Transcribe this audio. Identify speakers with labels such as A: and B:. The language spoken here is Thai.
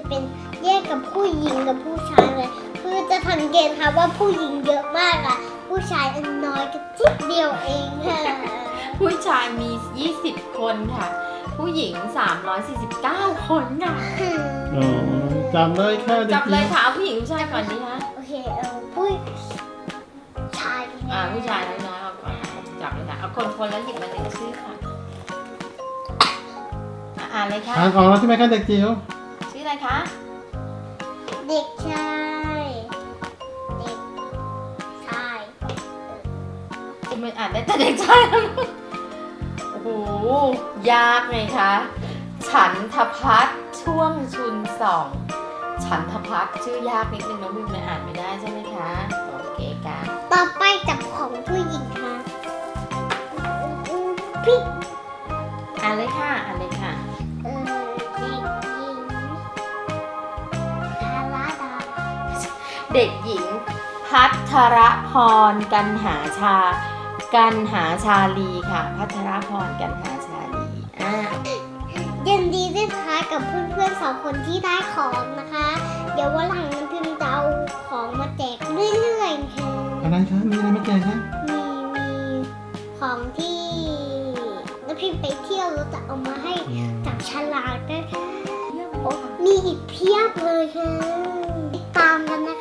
A: เป็นแยกกับผู้หญิงกับผู้ชายเลยคือจะสังเกตค่ะว่าผู้หญิงเยอะมากอะผู้ชายอันน้อยก็จิ๊บเดียวเองค่ะ
B: ผู้ชายมี 20 คนค่ะ ผู้หญิง 349 คนค่ะ
C: อ๋อจำเลยค่ะเด็ก
B: จับ
C: ห
B: เล
C: ญิ
B: ย
C: ง
B: ค่ะเอาผู้หญิงผู้ชายก่อนดีคะ
A: โอเคผู้ชาย
B: ผู้ชายน้อยๆเอาก่อนจับเลยค่ะเอาคนแล้วหยิบมาหนึ่งชื่อค่ะอ่านเลยค่ะ
C: อ่านออกแล้วใช่ไหมคะเด็กจิ๋ว
B: ชื่ออะไรคะ
A: เด็กชายเด็กชาย
B: จะไม่อ่านได้แต่เด็กชายโอ้โหยากไหมคะฉันทพัฒน์ช่วงชุนส่องฉันทพัฒน์ชื่อยากนิดนึงน้องบิมอ่านไม่ได้ใช่ไหมคะโอเคค่ะ
A: ต่อไปจับของผู้หญิงค่ะพี่
B: อ่านเลยค่ะอ่านเลยค่ะ
A: เด็กหญิงทาราดา
B: เด็กหญิงพัทรพรกันหาชาลีค่ะ พัทรพรกันหาชาลี
A: ยินดีด้วยค่ะกับเพื่อนๆ2 คนที่ได้ของนะคะ เดี๋ยววันหลังน้ำพิมพ์จะเอาของมาแจกเรื่อยๆค่ะ
C: อะไรคะมีอะไรมาแจกคะ
A: มีของที่น้ำพิมพ์ไปเที่ยวเราจะเอามาให้จับฉลากนะคะโอ้มีอีกเพียบเลยค่ะติดตามกันนะ